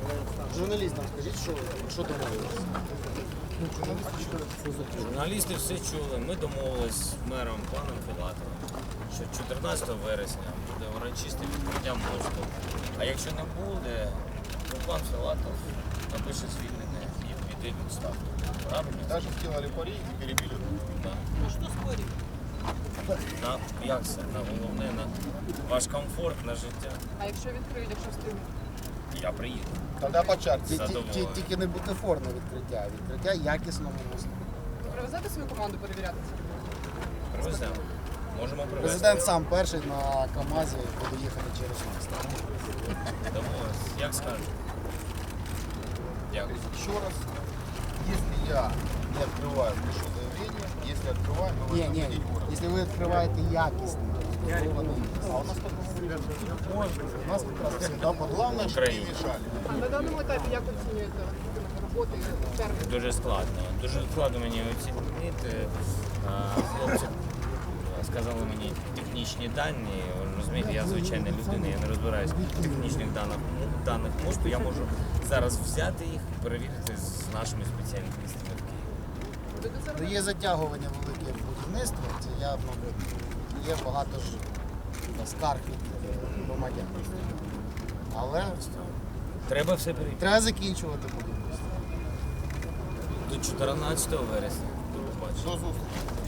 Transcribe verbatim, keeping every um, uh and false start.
Журналістам скажіть, що, що домовилися? Журналісти все чули. Ми домовились з мером паном Філатовим, що чотирнадцятого вересня буде урочисте відкриття мосту. А якщо не буде, то пан Філатов напише звільнення і піде в відставку. Правильно? Даже сделали пари и перебили. Да. Ну що спорить? На, як це? На головне, на ваш комфорт, на життя. А якщо відкриють, якщо встигнуть? Я приїду. Тогда по чарте. Ті- ті- Задоволений. ті- Тільки не бутафорне відкриття, а відкриття якісного мосту. Ви привезете свою команду перевіряти це? Привеземо. Можемо привезти. Президент сам перший на КАМАЗі буде їхати через міст. Домовились. Як скажете. Дякую. Еще раз, если я не открываю, пишу заявление. Если открываю, мы Ні, возьмем ні, денег город. якщо ви відкриваєте якісний, збудований міст. А у нас только можно. У нас как раз всегда было. Главное, чтобы не Україна. мешали. А на даному етапі як оцінюєте роботи і термін? Дуже складно. Дуже складно мені оцінити. А, Хлопці сказали мені технічні дані. Ви розумієте, я звичайна людина, я не розбираюсь в технічних даних, даних мосту. Я можу зараз взяти їх і перевірити з нашими спеціалістами в Києві. Будете це Ну, робити? є затягування велике будівництва, це явно є багато ж скарг від е, громадян. Але Треба все перевірити. треба закінчувати будівництво. До чотирнадцятого вересня. До побачення. До зустрічи.